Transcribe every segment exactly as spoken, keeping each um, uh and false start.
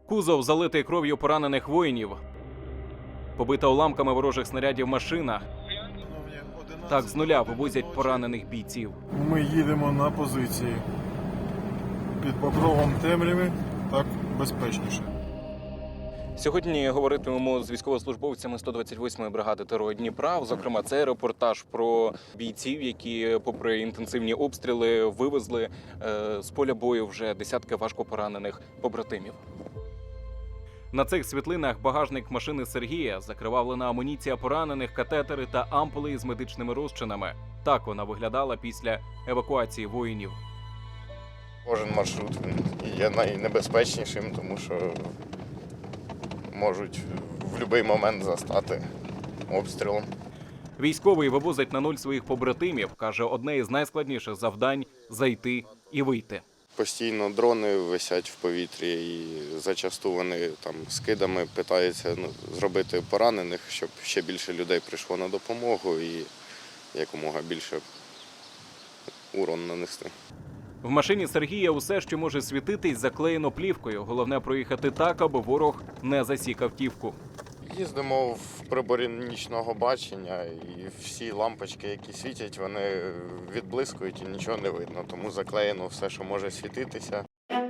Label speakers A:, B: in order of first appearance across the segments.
A: Кузов залитий кров'ю поранених воїнів. Побита уламками ворожих снарядів машина. Так з нуля вивозять поранених бійців.
B: Ми їдемо на позиції. Під покровом темряви так безпечніше.
A: Сьогодні говоритимемо з військовослужбовцями сто двадцять восьмої бригади ТРО Дніпра. Зокрема, це репортаж про бійців, які, попри інтенсивні обстріли, вивезли е, з поля бою вже десятки важкопоранених побратимів. На цих світлинах багажник машини Сергія, закривавлена амуніція поранених, катетери та ампули з медичними розчинами. Так вона виглядала після евакуації воїнів.
C: Кожен маршрут є найнебезпечнішим, тому що можуть в будь-який момент застати обстрілом.
A: Військовий вивозить на нуль своїх побратимів. Каже, одне із найскладніших завдань – зайти і вийти.
C: Постійно дрони висять в повітрі і зачасту вони там скидами питаються ну, зробити поранених, щоб ще більше людей прийшло на допомогу і якомога більше урон нанести.
A: В машині Сергія усе, що може світитись, заклеєно плівкою. Головне проїхати так, аби ворог не засік автівку.
C: Їздимо в приборі нічного бачення і всі лампочки, які світять, вони відблискують і нічого не видно. Тому заклеєно все, що може світитися.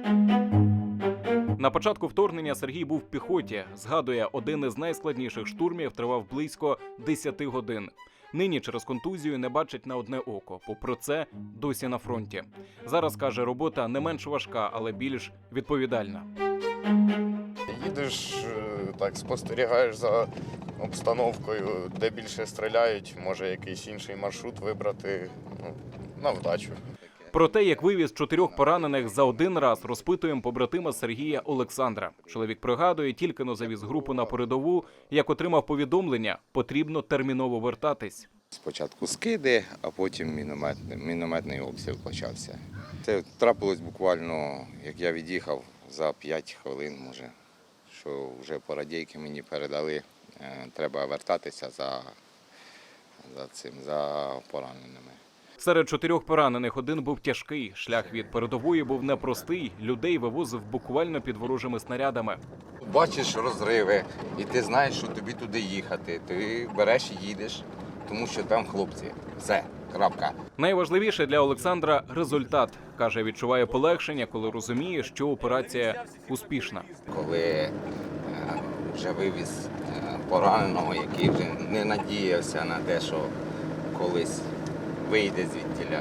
A: На початку вторгнення Сергій був в піхоті. Згадує, один із найскладніших штурмів тривав близько десяти годин. Нині через контузію не бачить на одне око. Попри це, досі на фронті. Зараз, каже, робота не менш важка, але більш відповідальна.
C: Їдеш, так, спостерігаєш за обстановкою, де більше стріляють, може якийсь інший маршрут вибрати, ну, на вдачу.
A: Про те, як вивіз чотирьох поранених за один раз, розпитуємо побратима Сергія Олександра. Чоловік пригадує, тільки-но завіз групу на передову, як отримав повідомлення, потрібно терміново вертатись.
D: Спочатку скиди, а потім мінометний, мінометний обстріл почався. Це трапилось буквально, як я від'їхав, за п'ять хвилин, може, що вже по радійки мені передали, треба вертатися за, за цим, за пораненими.
A: Серед чотирьох поранених один був тяжкий. Шлях від передової був непростий. Людей вивозив буквально під ворожими снарядами.
D: Бачиш розриви, і ти знаєш, що тобі туди їхати. Ти береш і їдеш, тому що там хлопці. Все, крапка.
A: Найважливіше для Олександра – результат. Каже, відчуває полегшення, коли розуміє, що операція успішна.
D: Коли е, вже вивіз е, пораненого, який вже не надіявся на те, що колись вийде звідтіля.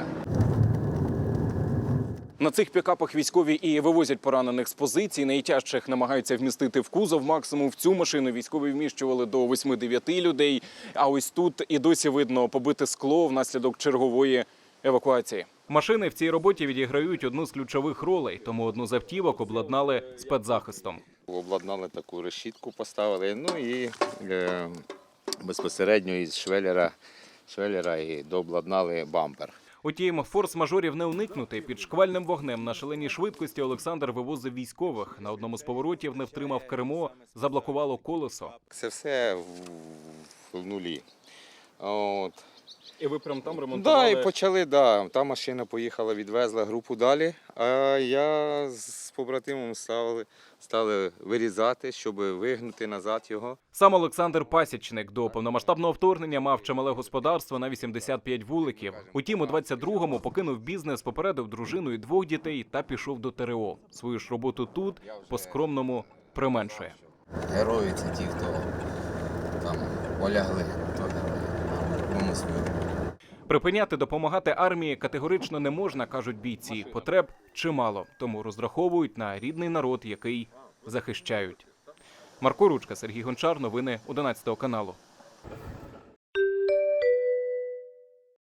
A: На цих пікапах військові і вивозять поранених з позицій. Найтяжчих намагаються вмістити в кузов. Максимум в цю машину військові вміщували до восьми-дев'яти людей. А ось тут і досі видно побите скло внаслідок чергової евакуації. Машини в цій роботі відіграють одну з ключових ролей, тому одну з автівок обладнали спецзахистом.
D: Обладнали таку решітку, поставили, ну і е, безпосередньо із швеллера, швеллера і дообладнали бампер.
A: Утім, форс-мажорів не уникнути. Під шквальним вогнем на шаленій швидкості Олександр вивозив військових. На одному з поворотів не втримав кермо, заблокувало колесо.
D: Це все в, в нулі. От.
A: І ви прямо там
D: Так,
A: ремонтували?
D: да, і почали, да. Та машина поїхала, відвезла групу далі, а я з побратимом стали, стали вирізати, щоб вигнути назад його.
A: Сам Олександр Пасічник до повномасштабного вторгнення мав чимале господарство на вісімдесят п'ять вуликів. Утім, у двадцять другому покинув бізнес, попередив дружину і двох дітей та пішов до ТРО. Свою ж роботу тут по-скромному применшує.
D: Герої – це ті, хто там полягли, то герої. Кому свою.
A: Припиняти допомагати армії категорично не можна, кажуть бійці. Потреб чимало, тому розраховують на рідний народ, який захищають. Марко Ручка, Сергій Гончар, новини одинадцятого каналу.